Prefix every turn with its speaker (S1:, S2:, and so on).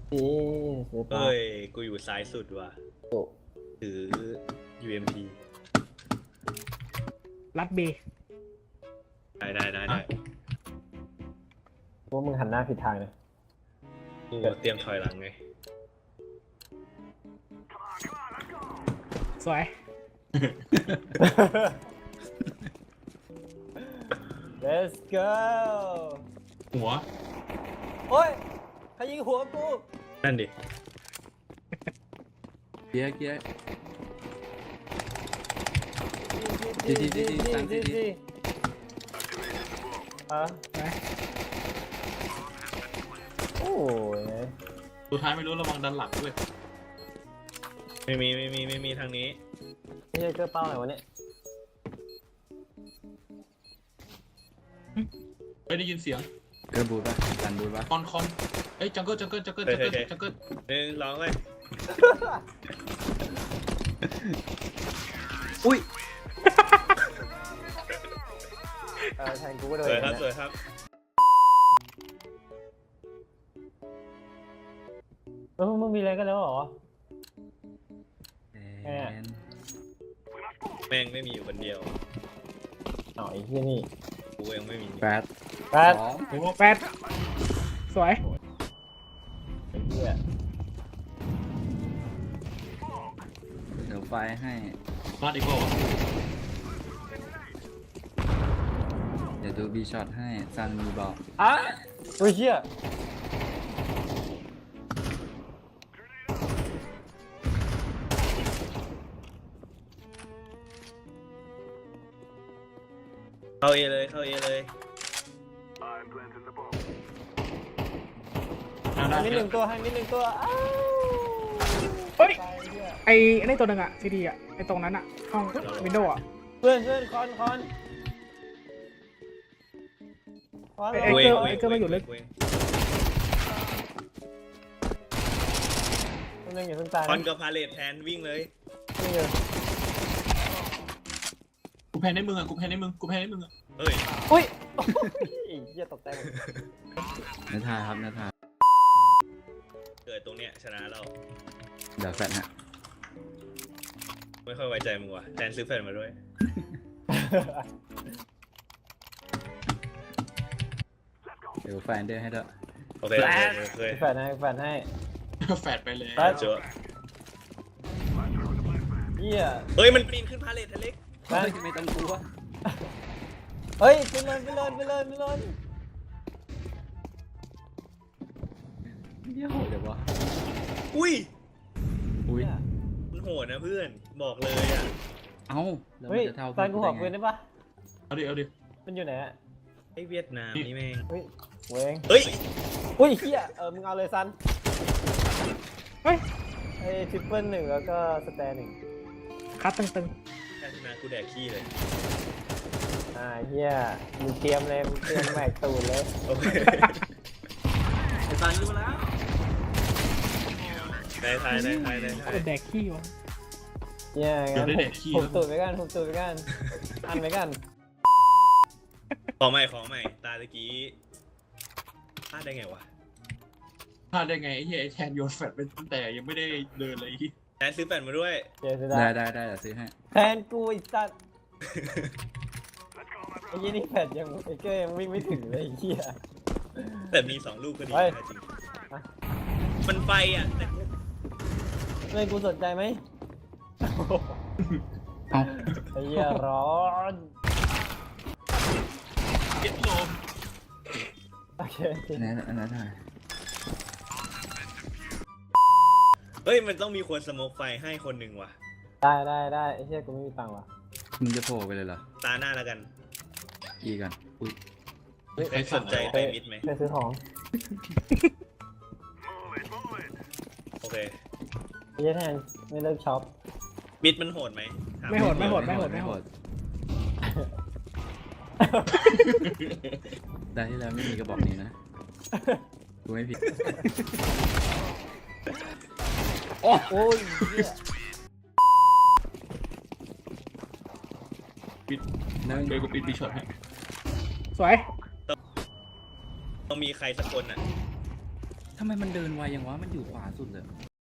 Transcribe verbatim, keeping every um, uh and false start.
S1: นี่ซื้อปลา
S2: เฮ้ย กูอยู่ซ้ายสุดว่ะ
S1: โอ้
S2: ถือ ยู เอ็ม พี
S3: รัดเบ
S2: ได้ได้ได้ได้
S1: พวกมึงหันหน้าผิดทางเลย
S2: กูเตรียมถอยหลังไง
S3: สวย
S1: let's go
S4: หัว
S1: โอ้ยใครยิงหัวกู
S2: นั่นดิ
S5: เกียร์เกียร์
S1: จี
S5: จี
S1: จี
S5: จี
S1: จี
S5: จี
S1: จี
S5: ตามจี
S1: จี
S5: จี
S1: จีอ่ะ
S3: ไป
S1: โอ้ย
S4: สุดท้ายไม่รู้ระวังดันหลังด้วย
S2: ไม่มีไม่มีไม่มีทางนี้
S1: นี่ใช่เกลือเป้าไหนวะเนี่ย
S4: ไม่ได้ยินเสียง
S5: เกิร์บูดป่ะดันบูดป่ะ
S4: คอนคอนเอ้ยจังเกิลจังเกิลจังเกิลจังเกิลจังเกิล
S2: หนึ่งสองเลย
S5: อุ้ย
S1: เออแทนกูก็โด
S2: ส
S1: น
S2: วยครับ
S1: นะ
S2: สวยครับ
S1: เออมึงมีอะไรกันแล้วเหรอ
S5: แอน
S2: แม่งไม่มีอยู่คนเดียว
S1: อ๋อไอ้เหี้ยนี่
S2: กูยังไม่มี
S5: แปด
S1: แปด
S5: สอง
S4: โอ้โห
S3: แปดสวย
S1: ไอ้เหี้ย
S5: เดี๋ยวไฟให้
S4: พลาดอีกเปล่าวะ
S5: เดี๋ยวดูบีช็อตให้ซันมีบอก
S1: อ่ะโอ้ยเหี้ย
S2: เข้าเอเลยเข้าเอเลย
S4: อ่าได้
S1: ให้มิดหนึ่งตัวให้มิดหนึ่งตัวอ้าว
S3: เฮ้ย
S1: ตายเหี้ย
S3: ไอ้ไอ้นี่ตัวหนึ่งอะซีดีอะไอ้ตรงนั้นอะห้องวินโดว์อะ
S1: เพื่อนเพื่อนคอนคอนคอน
S3: ไอ้
S2: กู
S3: เก
S2: เอ
S3: อง ร์ไอ้เกอร์ไม่อยู่ลึก
S2: กูเอง
S1: คนหนึงอย่าเพิ่งตาย
S2: คอนกับพาเลทแทนวิ่งเลย
S1: นี่อยู่
S4: กูแพ้ในมึงอ่ะกูแพ้ในมึงกูแพ้ในมึงอ่ะ
S2: เฮ้ย
S1: อุ้ยไอ้เหี้ยตกใจหมด
S5: เนื้อทาครับเนื้อทา
S2: เกิดตรงเนี้ยชนะเรา
S5: เดี๋ยวแฟดฮะ
S2: ไม่ค่อยไว้ใจมึงว่ะแทนซื้อแฟนมาด้วย
S5: เดี๋ยวแฟนเดอร์ให้ด้วย
S2: โอเคโอเคโอเค
S1: แฟนให้แฟนให้
S4: แฟดไปเลย
S1: แฟด
S2: เจอ
S1: เหี้ย
S2: เฮ้ยมันปีนขึ้นพาเลททะเล็ก
S1: แฟน
S5: ไม่ต้องกลัว
S1: เฮ้ยไปเลยไปเลยไปเลยไปเลย
S5: เดี๋ยวเดี๋ยววะ
S2: อุ้ย
S5: อุ้ย
S2: มันโหดนะเพื่อนบอกเลยอ่ะ
S5: เอ้าแล้ว
S1: เฮ้
S5: มั
S1: ย
S5: นจะเท่า
S1: แฟนกูขอปืนได้ปะ
S4: เอาดิเอาดิ
S1: มันอยู่ไหนอะ
S2: ไอ้เวียดนามนี่แม่ง
S1: เฮ้ยเวง
S2: เฮ้ย
S1: อุ้ยเหี้ยเออมึงเอาเลยซัน
S3: เฮ้ย
S1: ไอ้ทริปเปิลหนึ่งแล้วก็สแตนหนึ่ง
S3: คัดตึง
S2: แค่ชนะกูแดกขี้เลย
S1: อ่าเหี้ยมึงเตรียมเลยมึงเตรียมแม็กตูดเลย
S2: โอเค
S5: ไอ้ซันรู้แล้ว
S2: ได้ทายได้ทายได้
S3: ๆ
S2: ทาย
S3: กดแดกขี้วะ
S1: เหี้ย
S4: เดี๋ย
S1: งั้
S4: วน ได้
S1: ผ
S4: เด็
S1: ม
S4: ดขี้
S1: ผมตูดไปกันผมตูดไปกันอันไปกัน
S2: ขอใหม่ขอใหม่ตาตะกี้พลาดได้ไงวะ
S4: พลาดได้ไงไอ้เหี้ยไอ้แทนโยนแฟดไปตั้งแต่ยังไม่ได้เดินเลย
S2: แทนซื้อแฟนมาด้วย
S1: เจอสุด
S5: ได้
S1: า
S5: ได้ได้เดี๋ยวซื้อให้
S1: แทนกูไอ้สัตว์ไอ้ยี่นี่แฟดยังไอ้เก้ยังวิ่งไม่ถึงเลยไอ้เหี้ย
S2: แต่มีสองลูกก็ดี
S1: เฮ้ย
S2: นะจริงมันไฟอ่ะแต่
S1: เลยกูสนใจไหม
S5: เอ้า
S1: ไอ้เหี้ยร้อน
S4: เจ็ดโล
S1: โอเค
S5: อันนั้นอันนั้นถ่าย
S2: เฮ้ยมันต้องมีคนสโมกไฟให้คนหนึ่งว่ะ
S1: ได้ได้ได้ไอ้เหี้ยกูไม่มีตังค์ว่ะ
S5: มึงจะโผล่ไปเลยเหรอ
S2: ตาหน้าแล้วกัน
S5: อีกันอุ้ย
S2: ใครสนใจไปมิดไหม
S1: ไปซื้อของ
S2: โอเค
S1: ไอ้เหี้ยแทนไม่เลิกช็อป
S2: มิดมันโหดไหมถา
S3: ไม่โหดไม่โหดไม่โหดไม่โหด
S5: ได้ที่แล้วไม่มีกระบอกนี้นะกูไม่ผิด
S1: โอ้ยเหี้ย
S4: ปิด
S5: แล้ว
S4: เดี๋ยวกูปิดบีช็อตให้
S3: สวย
S2: ต้องมีใครสักคนอ่ะ
S5: ทำไมมันเดินไวอย่างวะ มันอยู่ขวาสุดเลย